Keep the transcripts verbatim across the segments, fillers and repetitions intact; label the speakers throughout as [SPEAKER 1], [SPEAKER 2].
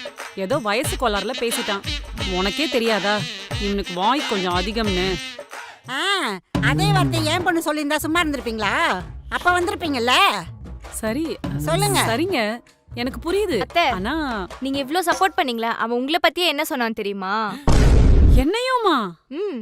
[SPEAKER 1] ஏதோ வயசு கோளாறுல பேசிட்டான். உனக்கே தெரியாதா இவனுக்கு வாய் கொஞ்சம் அதிகம்னு?
[SPEAKER 2] ஆ, அதே வார்த்தை ஏன் பொண்ணு சொல்லியிருந்தா சும்மா இருந்திருப்பீங்களா? அப்ப வந்திருப்பீங்கல்ல.
[SPEAKER 1] சரி
[SPEAKER 2] சொல்லுங்க.
[SPEAKER 1] சரிங்க, எனக்கு புரியுது.
[SPEAKER 3] அத்தை,
[SPEAKER 1] ஆனா
[SPEAKER 3] நீங்க இவ்ளோ சப்போர்ட் பண்ணீங்களா? அவன் உங்களை பத்தியே என்ன சொன்னான் தெரியுமா?
[SPEAKER 1] என்னையுமா?
[SPEAKER 3] ம்.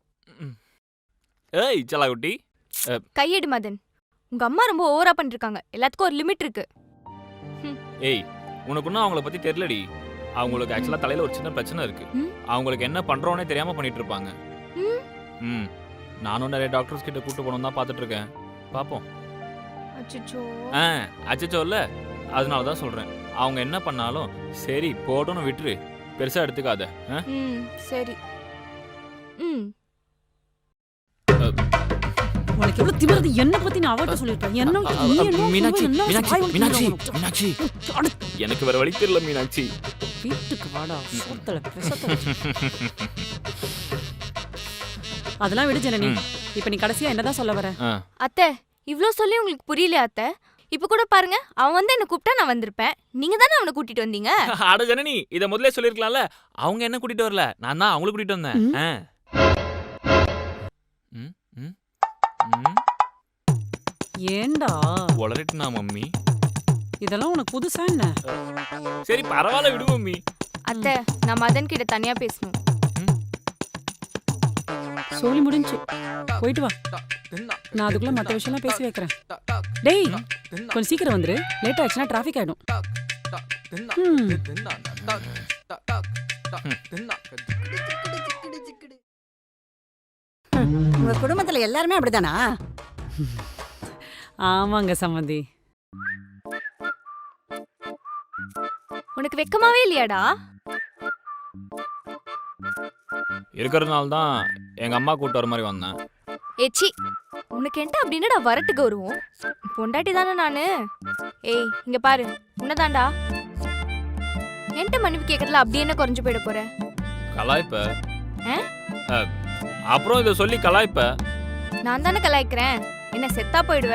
[SPEAKER 4] ஏய் செல்லாக்குட்டி,
[SPEAKER 3] கையெடு மதன். உங்க அம்மா ரொம்ப ஓவரா பண்ணிருக்காங்க. எல்லாத்துக்கும் ஒரு லிமிட் இருக்கு.
[SPEAKER 4] ஏய் உனக்கு இன்னும் அவங்கள பத்தி தெரியலடி. அவங்களுக்கு ஆக்சுவலா தலையில ஒரு சின்ன பிரச்சனை இருக்கு.
[SPEAKER 3] ம்.
[SPEAKER 4] அவங்களுக்கு என்ன பண்றோன்னே தெரியாம பண்ணிட்டு இருப்பாங்க.
[SPEAKER 3] ம்.
[SPEAKER 4] ம் நானும் நிறைய டாக்டர்ஸ் கிட்ட கூட்டு போகணும் தான் பார்த்துட்டு இருக்கேன். பாப்போம்.
[SPEAKER 3] அச்சச்சோ.
[SPEAKER 4] ஆ அச்சச்சோ இல்ல, அதனால தான் சொல்றேன். அவங்க என்ன பண்ணாலும் சரி போட்டோன்னு விட்டுரு, பெருசா எடுத்துக்காத. ஆ?
[SPEAKER 3] ம் சரி. ம்.
[SPEAKER 1] உனக்கு எவ்வளவு திமிருது? என்ன பத்தி நான் அவட்ட சொல்லிருப்பேன். என்ன
[SPEAKER 4] அ,
[SPEAKER 1] நீ
[SPEAKER 4] அ,
[SPEAKER 1] என்ன
[SPEAKER 4] மீனாட்சி
[SPEAKER 1] என்ன
[SPEAKER 4] மீனாட்சி
[SPEAKER 1] வாய் வலிக்குது
[SPEAKER 4] மீனாட்சி
[SPEAKER 1] உனக்கு?
[SPEAKER 4] மீனாட்சி
[SPEAKER 1] அட,
[SPEAKER 4] எனக்கு வேற வழி தெரியல மீனாட்சி.
[SPEAKER 1] வீட்டுக்கு வாடா, சோத்துல பிசத்துல. அதெல்லாம் விடு ஜனனி.
[SPEAKER 4] ம்.
[SPEAKER 1] இப்ப நீ கடைசியா என்னதான் சொல்ல வர?
[SPEAKER 4] ஆ,
[SPEAKER 3] அத்தை, இவ்ளோ சொல்லி உங்களுக்கு புரியலையா அத்தை? இப்ப கூட பாருங்க, அவன் வந்து என்ன கூப்பிட்டா நான் வந்திருப்பேன். நீங்க தானே அவனை கூட்டிட்டு வந்தீங்க.
[SPEAKER 4] அட ஜனனி, இத முதல்ல சொல்லிருக்கலாம்ல. அவங்க என்ன கூட்டிட்டு வரல, நான் தான் அவங்கள கூட்டிட்டு வந்தேன்.
[SPEAKER 1] ம்.
[SPEAKER 4] ஆ. ம், ம், ம்.
[SPEAKER 1] ஏண்டா
[SPEAKER 4] உளறிட்டுனா மம்மி.
[SPEAKER 1] இதெல்லாம் உனக்கு புதுசா என்ன?
[SPEAKER 4] சரி பரவாயில்ல விடு மம்மி.
[SPEAKER 3] அத்தை, நான் மதன் கிட்ட தனியா பேசணும்.
[SPEAKER 1] சொல்லி முடிஞ்சு போயிட்டு வா. நான் அதுக்குள்ள மத்த விஷயம்லாம் பேசி வைக்கிறேன். டேய் கொஞ்சம் சீக்கிரம் வந்துரு, லேட் ஆச்சுன்னா டிராஃபிக் ஆயிடும். ம்.
[SPEAKER 2] உங்க குடும்பத்துல எல்லாருமே அப்படிதானா?
[SPEAKER 1] ஆமாங்க சம்மந்தி.
[SPEAKER 3] உனக்கு வெக்கமாவே இல்லையாடா?
[SPEAKER 4] இருக்கிறதுனால தான் எங்க அம்மா கூட்டு வர மாதிரி வந்தேன்.
[SPEAKER 3] ஏச்சி, உனக்கு என்ன அப்படின்னடா வரட்டு கௌரவம்? பொண்டாட்டி தானே நானு. ஏய் இங்க பாரு, உன்னதாண்டா. என்கிட்ட மன்னிப்பு கேட்கறதுல அப்படி என்ன குறைஞ்சு போயிட போற?
[SPEAKER 4] கலாய்ப்ப.
[SPEAKER 3] ஆ?
[SPEAKER 4] அ, அப்புறம் இதை சொல்லி கலாய்ப்ப.
[SPEAKER 3] நான் தானே கலாய்க்கிறேன். என்ன செத்தா போயிடுவ?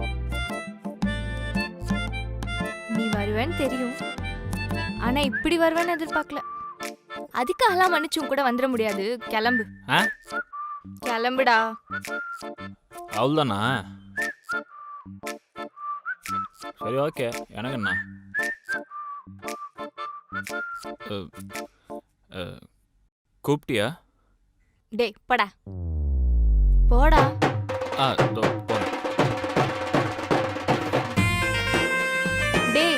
[SPEAKER 3] நீ வருவேன்னு தெரியும், ஆனா இப்படி வருவேன்னு எதிர்பார்க்கல. அதுக்காகலாம் மன்னிச்சும் கூட வந்துட முடியாது. கிளம்பு.
[SPEAKER 4] ஆ?
[SPEAKER 3] கிளம்புடா.
[SPEAKER 4] அவ்வளோதானா? சரி ஓகே, எனக்கு என்ன. அ, அ, கூப்பிட்டியா?
[SPEAKER 3] டேய் படா போடா.
[SPEAKER 4] ஆ இதோ போறேன்.
[SPEAKER 3] டேய்,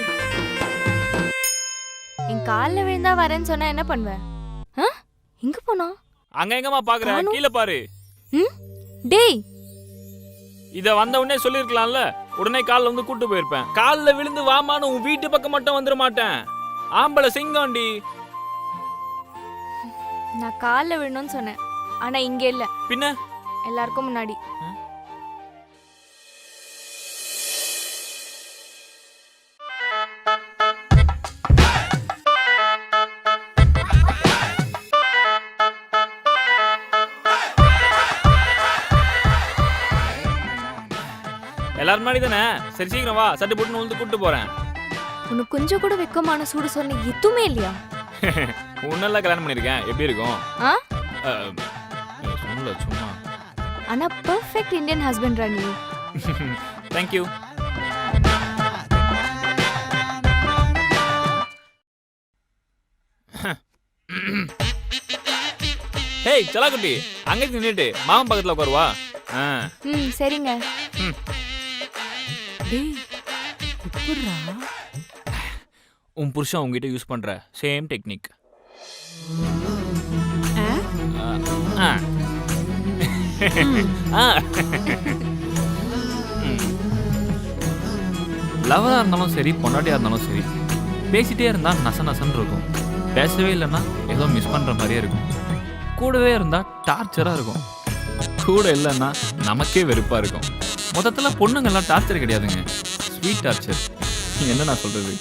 [SPEAKER 3] என் கால்ல விழுந்தா வரேன்னு சொன்னா என்ன பண்ணுவ? ஆ? எங்க போனா?
[SPEAKER 4] அங்க எங்கம்மா பாக்குற,
[SPEAKER 3] காணோம்.
[SPEAKER 4] கீழே பாரு.
[SPEAKER 3] ம்? டேய்,
[SPEAKER 4] இத வந்த உடனே சொல்லிருக்கலாம்ல. உடனே கால்ல வந்து கூட்டு போயிருப்பேன். கால்ல விழுந்து வாமான்னு உன் வீட்டு பக்கம் மட்டும் வந்துட மாட்டேன். ஆம்பளை சிங்கம்டி.
[SPEAKER 3] நான் கால்ல விழணும்னு சொன்னேன், ஆனா இங்க இல்ல,
[SPEAKER 4] பின்ன
[SPEAKER 3] எல்லாருக்கும் முன்னாடி.
[SPEAKER 4] எல்லாரும் முன்னாடி தானே. சரி சீக்கிரம் வா, சட்டு போட்டு வந்து கூட்டு போறேன்.
[SPEAKER 3] உனக்கு கொஞ்சம் கூட வெக்கமான சூடு சொன்ன எதுவுமே இல்லையா?
[SPEAKER 4] உன்னெல்லாம் கல்யாணம் பண்ணிருக்கேன், எப்படி இருக்கும்?
[SPEAKER 3] ஆ?
[SPEAKER 4] அஹ், சொல்லல சும்மா.
[SPEAKER 3] ஆனா perfect Indian husband Rani.
[SPEAKER 4] Thank you. Hey செல்லாக்குட்டி, அங்கே நின்னுட்டு மாமன் பக்கத்துல உட்காருவா. ஆ.
[SPEAKER 3] ம் சரிங்க.
[SPEAKER 4] ம்.
[SPEAKER 1] டேய் எப்படிடா?
[SPEAKER 4] உன் புருஷன் உங்ககிட்ட யூஸ் பண்ற சேம் டெக்னிக்.
[SPEAKER 1] ஆ?
[SPEAKER 4] லவரா இருந்தாலும் சரி, பொண்டாட்டியா இருந்தாலும் சரி, பேசிட்டே இருந்தா நச நசன்னு இருக்கும். பேசவே இல்லைன்னா ஏதோ மிஸ் பண்ற மாதிரியே இருக்கும். கூடவே இருந்தா டார்ச்சரா இருக்கும். கூட இல்லைன்னா நமக்கே வெறுப்பா இருக்கும். மொத்தத்துல பொண்ணுங்கெல்லாம் டார்ச்சர் கிடையாதுங்க, ஸ்வீட் டார்ச்சர். என்ன நான் சொல்றது?